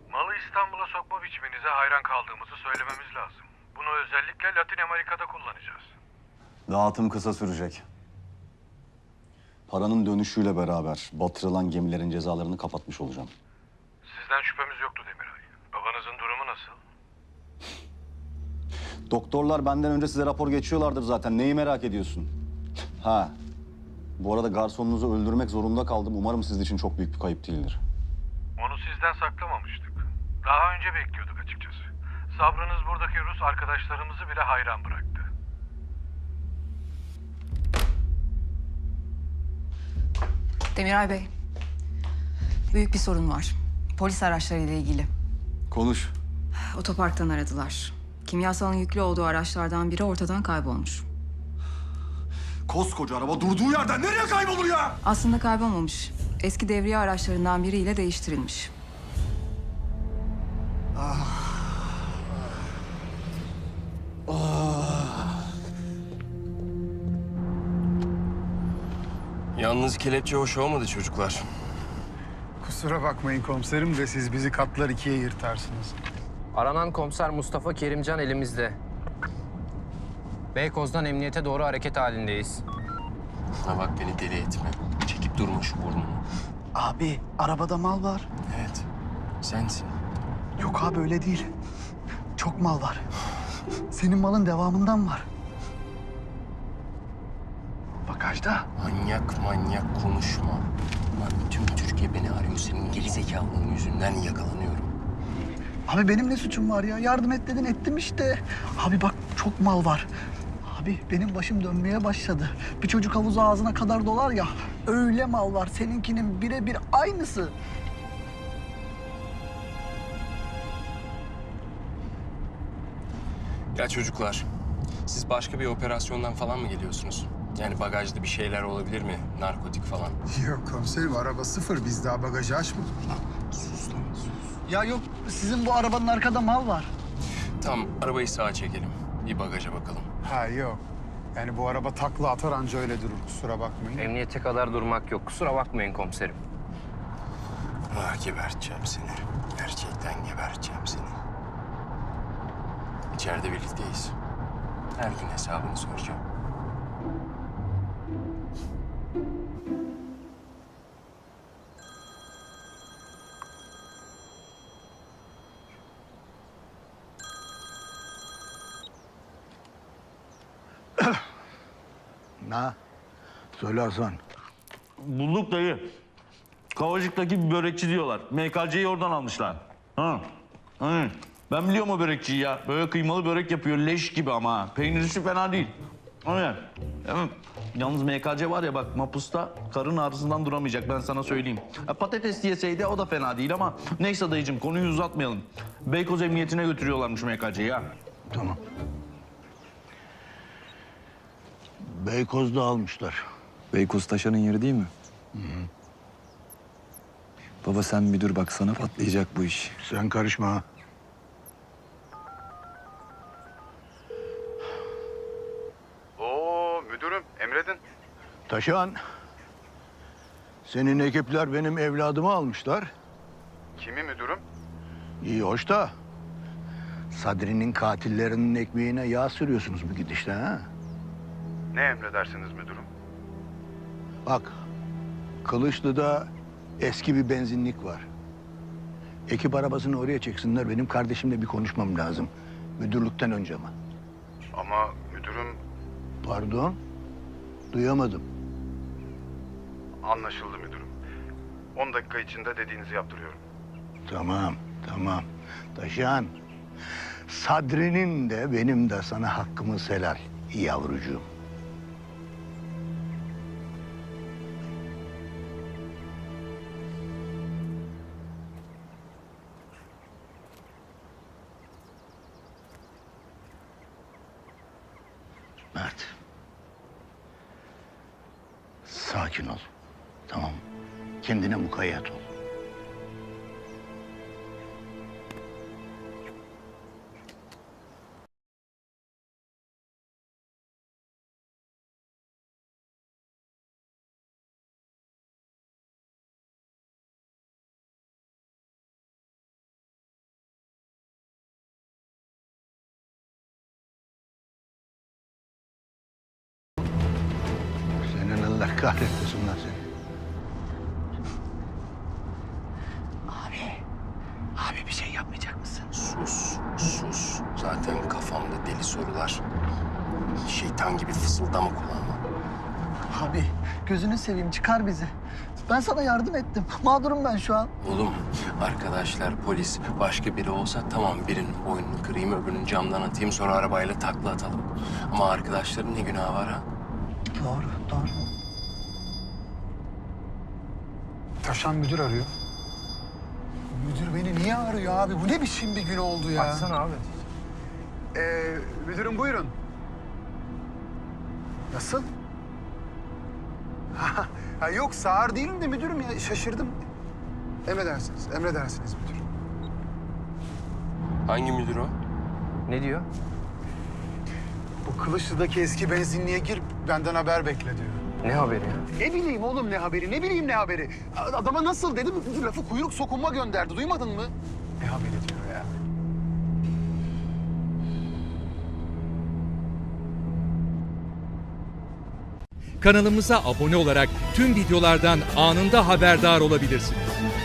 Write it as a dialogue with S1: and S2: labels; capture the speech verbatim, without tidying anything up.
S1: Malı İstanbul'a sokma biçiminize hayran kaldığımızı söylememiz lazım. Bunu özellikle Latin Amerika'da kullanacağız.
S2: Dağıtım kısa sürecek. Paranın dönüşüyle beraber batırılan gemilerin cezalarını kapatmış olacağım.
S1: Sizden şüphemiz yoktu Demiray. Babanızın durumu nasıl?
S2: Doktorlar benden önce size rapor geçiyorlardır zaten. Neyi merak ediyorsun? Ha. Bu arada garsonunuzu öldürmek zorunda kaldım. Umarım sizin için çok büyük bir kayıp değildir.
S1: Onu sizden saklamamıştık. Daha önce bekliyorduk açıkçası. Sabrınız buradaki Rus arkadaşlarımızı bile hayran bıraktı.
S3: Demiray Bey, büyük bir sorun var. Polis araçlarıyla ilgili.
S2: Konuş.
S3: Otoparktan aradılar. Kimyasalın yüklü olduğu araçlardan biri ortadan kaybolmuş.
S2: Koskoca araba durduğu yerden nereye kaybolur ya?
S3: Aslında kaybolmamış. Eski devriye araçlarından biriyle değiştirilmiş.
S4: Yalnız kelepçe hoş olmadı çocuklar.
S5: Kusura bakmayın komiserim de siz bizi katlar ikiye yırtarsınız.
S6: Aranan komiser Mustafa Kerimcan elimizde. Beykoz'dan emniyete doğru hareket halindeyiz.
S4: Ha bak beni deli etme. Çekip durma şu burnunu.
S7: Abi arabada mal var.
S4: Evet, sensin.
S7: Yok abi öyle değil. Çok mal var. Senin malın devamından var. Bagajda.
S4: Manyak manyak konuşma. Lan tüm Türkiye beni arıyor. Senin gerizekalılığın yüzünden yakalanıyorum.
S7: Abi benim ne suçum var ya? Yardım et dedin ettim işte. Abi bak çok mal var. Abi benim başım dönmeye başladı. Bir çocuk havuzu ağzına kadar dolar ya. Öyle mal var. Seninkinin birebir aynısı.
S4: Ya çocuklar, siz başka bir operasyondan falan mı geliyorsunuz? Yani bagajda bir şeyler olabilir mi? Narkotik falan.
S5: Yok komiserim araba sıfır biz daha bagajı açmadık.
S4: Sus lan sus.
S7: Ya yok sizin bu arabanın arkada mal var.
S4: Tamam, arabayı sağa çekelim. Bir bagaja bakalım.
S5: Ha yok. Yani bu araba takla atar anca öyle durur kusura bakmayın.
S6: Emniyete kadar durmak yok. Kusura bakmayın komiserim.
S4: Ah geberteceğim seni. Gerçekten geberteceğim seni. İçeride birlikteyiz. Her gün hesabını soracağım.
S7: Na. Söyle Hasan.
S8: Bulduk dayı. Kavacık'taki bir börekçi diyorlar. M K C'yi oradan almışlar. Ha. Hı. Ben biliyorum o börekçiyi ya. Böyle kıymalı börek yapıyor. Leş gibi ama ha. Peynirisi fena değil. Aynen. Evet. Yalnız M K C var ya bak mapusta karın ağrısından duramayacak ben sana söyleyeyim. Ha, patates yeseydi o da fena değil ama neyse dayıcığım konuyu uzatmayalım. Beykoz Emniyetine götürüyorlarmış M K C'yi ha.
S9: Tamam. Beykoz'da almışlar.
S10: Beykoz Taşan'ın yeri değil mi? Hı hı. Baba sen bir dur bak sana patlayacak bu iş.
S9: Sen karışma ha.
S5: Oo müdürüm emredin.
S9: Taşan. Senin ekipler benim evladımı almışlar.
S5: Kimi müdürüm?
S9: İyi hoş da. Sadri'nin katillerinin ekmeğine yağ sürüyorsunuz bu gidişle ha.
S5: Ne emredersiniz müdürüm?
S9: Bak. Kılıçlı'da eski bir benzinlik var. Ekip arabasını oraya çeksinler. Benim kardeşimle bir konuşmam lazım. Müdürlükten önce ama.
S5: Ama müdürüm
S9: Pardon? Duyamadım.
S5: anlaşıldı müdürüm. On dakika içinde dediğinizi yaptırıyorum.
S9: Tamam, tamam. Taşan, Sadri'nin de benim de sana hakkımız helal yavrucuğum. Mert. Sakin ol. Tamam. Kendine mukayyet ol. kahretmesinler seni.
S7: Abi, abi bir şey yapmayacak mısın?
S4: Sus, sus. Zaten kafamda deli sorular. Şeytan gibi fısıldama kulağıma.
S7: Abi, gözünü seveyim çıkar bizi. Ben sana yardım ettim. Mağdurum ben şu an.
S4: Oğlum, arkadaşlar, polis, başka biri olsa tamam birinin boynunu kırayım, öbürünün camdan atayım, sonra arabayla takla atalım. Ama arkadaşların ne günahı var ha?
S7: Doğru, doğru.
S5: Taşan müdür arıyor. Müdür beni niye arıyor abi? Bu ne biçim bir gün oldu ya?
S6: Açsana abi.
S5: Ee, müdürüm buyurun. Nasıl? ha, yok sağır değilim de müdürüm ya şaşırdım. Emredersiniz, emredersiniz müdürüm.
S4: Hangi müdür o?
S6: Ne diyor?
S5: Bu Kılıçlı'daki eski benzinliğe gir, benden haber bekle diyor.
S6: Ne haberi ya?
S5: Ne bileyim oğlum ne haberi, ne bileyim ne haberi. Adama nasıl dedim, lafı kuyruk sokunma gönderdi, duymadın mı? Ne haberi diyor ya.
S11: Kanalımıza abone olarak tüm videolardan anında haberdar olabilirsiniz.